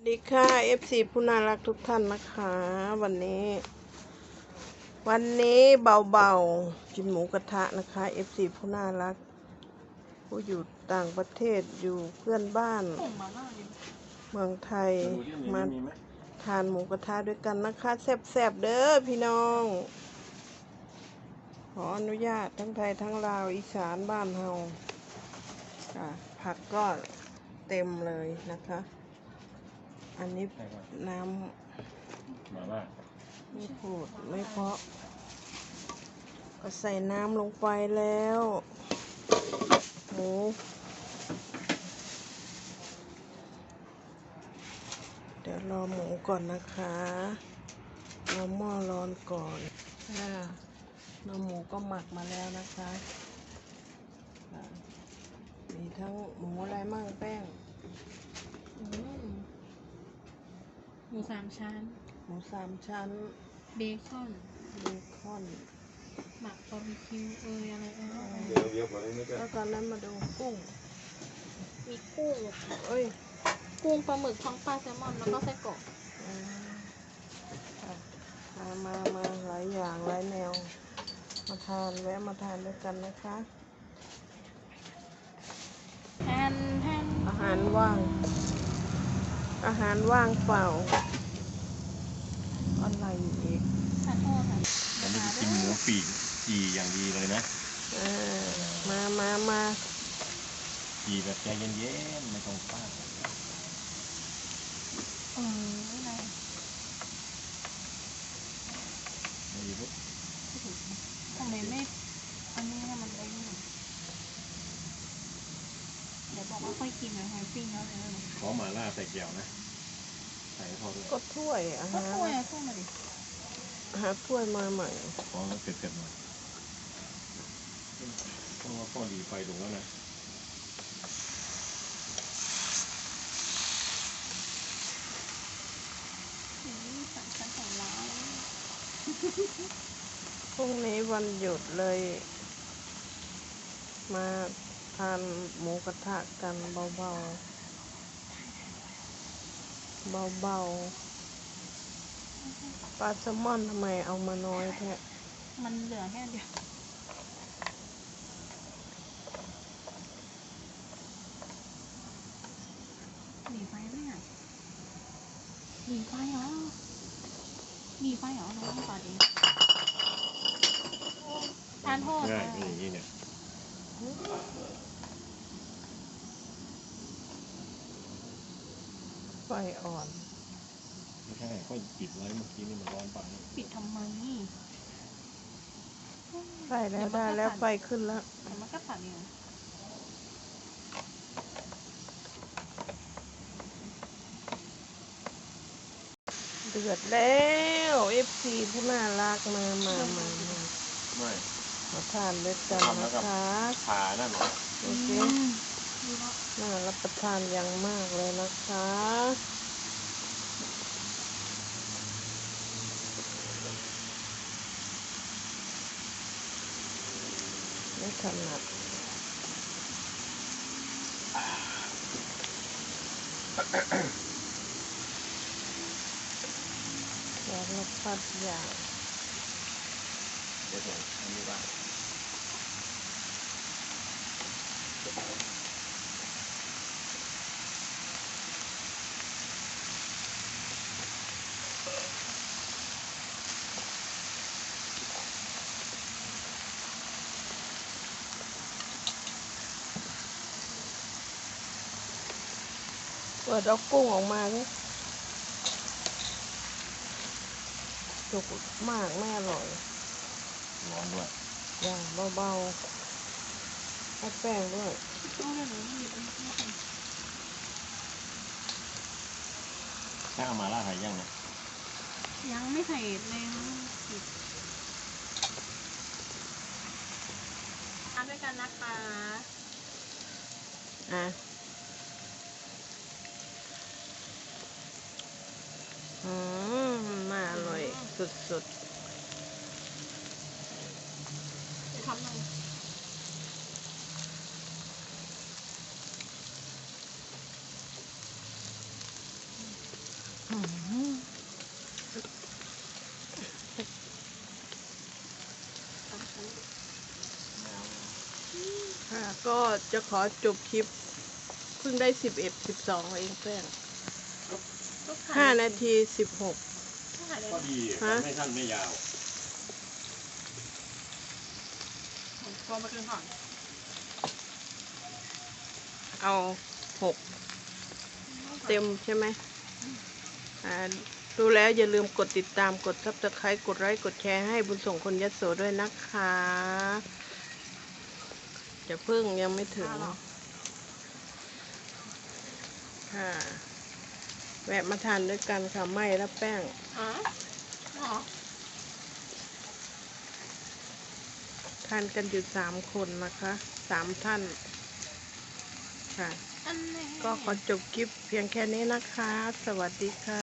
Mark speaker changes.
Speaker 1: ดีค่ะ FC ผู้น่ารักทุกท่านนะคะ วันนี้เบาๆกินหมูกระทะนะคะ FC ผู้น่ารักผู้อยู่ต่างประเทศอยู่เพื่อนบ้านเมืองไทยมาทานหมูกระทะด้วยกันนะคะแซ่บๆเด้อพี่น้อง ขออนุญาตทั้งไทยทั้งลาวอีสานบ้านเฮาผักก็เต็มเลยนะคะ อันนี้น้ำ
Speaker 2: มาล่า
Speaker 1: ไม่พูดไม่เพาะก็ใส่น้ำลงไปแล้วหมูเดี๋ยวรอหมูก่อนนะคะรอหม้อร้อนก่อนน้ำหมูก็หมักมาแล้วนะคะมีทั้งหมูอะไรมั่งแป้ง
Speaker 3: หมูสามชั้น
Speaker 1: เบคอน
Speaker 3: หมักบาร์บีคิวอะไร
Speaker 2: เดี๋ยวก่อนนี่ก็
Speaker 1: แล้วตอนนั้นมาดูกุ้ง
Speaker 3: มีกุ้งกุ้งปลาหมึกท้องปลาแซลมอนแล้วก็ไส้กรอก
Speaker 1: มาหลายอย่างหลายแนวแวะมาทานด้วยกันนะคะอาหารว่างเปล่าอะไรอีก
Speaker 2: วันนี้กินหมูปีกจีอย่างดีเลยนะ
Speaker 1: มา
Speaker 2: จีแบบใจเย็นๆไม่ต้องฟาดไม่ดีปุ๊บ
Speaker 3: ทำไมไม่อันนี้มันเล้งเดี๋ยวบอกว่าค่อยกินนะไฮปิ้งแล้วเลย
Speaker 2: ขอหม่าล่าใส่แก้วนะใส่พอด้วย
Speaker 1: ก็ถ้วย
Speaker 3: ก็ถ้วยมาดิ
Speaker 1: หาถ้วยมาใหม่
Speaker 2: ขอแล้วเสร็จหน่อยเพราะว่าพ่อดีไฟลงแล้วนะ
Speaker 1: พรุ่งนี้วันหยุดเลยมาทานหมูกระทะกันเบาปลาแซลมอนทำไมเอามาน้อยแท้
Speaker 3: มันเหลือแค่เดียวหนีไฟไหมอ่ะหนีไฟเหรอน้องต่อดีทานโทษ
Speaker 2: ง่ายอย่างนี้เนี่ย
Speaker 1: ไฟอ่อน
Speaker 2: ไม่ใช่ก็ปิดไว้เมื่อกี้นี่มันร้อนไป
Speaker 3: ปิดทำไม
Speaker 1: ไฟแล้วได้แล้วไฟขึ้นแล้ว
Speaker 3: แต่มันก็สั่นอยู่
Speaker 1: เดือดแล้วFC ผู้น่ารักมาทานด้วยกันนะคะ
Speaker 2: ขานั่นเหรอ
Speaker 1: โอเคน่ารับประทานอย่างมากเลยนะคะไม่ถนัดสารพัดอย่าง
Speaker 2: เดี๋ยวอันนี้ว่า
Speaker 1: เปิดเอากุ้งออกมาดิสุกมากไม่อร่อย
Speaker 2: ร้อนด้วย
Speaker 1: อย่างเบาๆให้แป้งด้วย
Speaker 2: ถ้าเอามาล่าไทยยังนะ
Speaker 3: ยังไม่ใส่เลยทานด้วยกันนะคะ
Speaker 1: น่าอร่อยสุด
Speaker 3: ทำหน่อย
Speaker 1: ค่ะก็จะขอจบคลิปเพิ่งได้11 12เองแป้ง5 นาที 16
Speaker 2: ก็ดี
Speaker 1: ฮะ
Speaker 2: ไม่สั้นไม่ยาว
Speaker 3: พอมากินก่อน
Speaker 1: เอา6 เต็มใช่ไหมดูแล้วอย่าลืมกดติดตามกด Subscribe กดไลค์กดแชร์ให้บุญส่งคนยโสด้วยนะคะจะเพิ่งยังไม่ถึงค่ะแวะมาทานด้วยกันค่ะไม่และแป้ง
Speaker 3: อ๋อ
Speaker 1: ทานกันอยู่3 คนนะคะ3 ท่านค่ะ
Speaker 3: อันไหน
Speaker 1: ก็ขอจบคลิปเพียงแค่นี้นะคะ สวัสดีค่ะ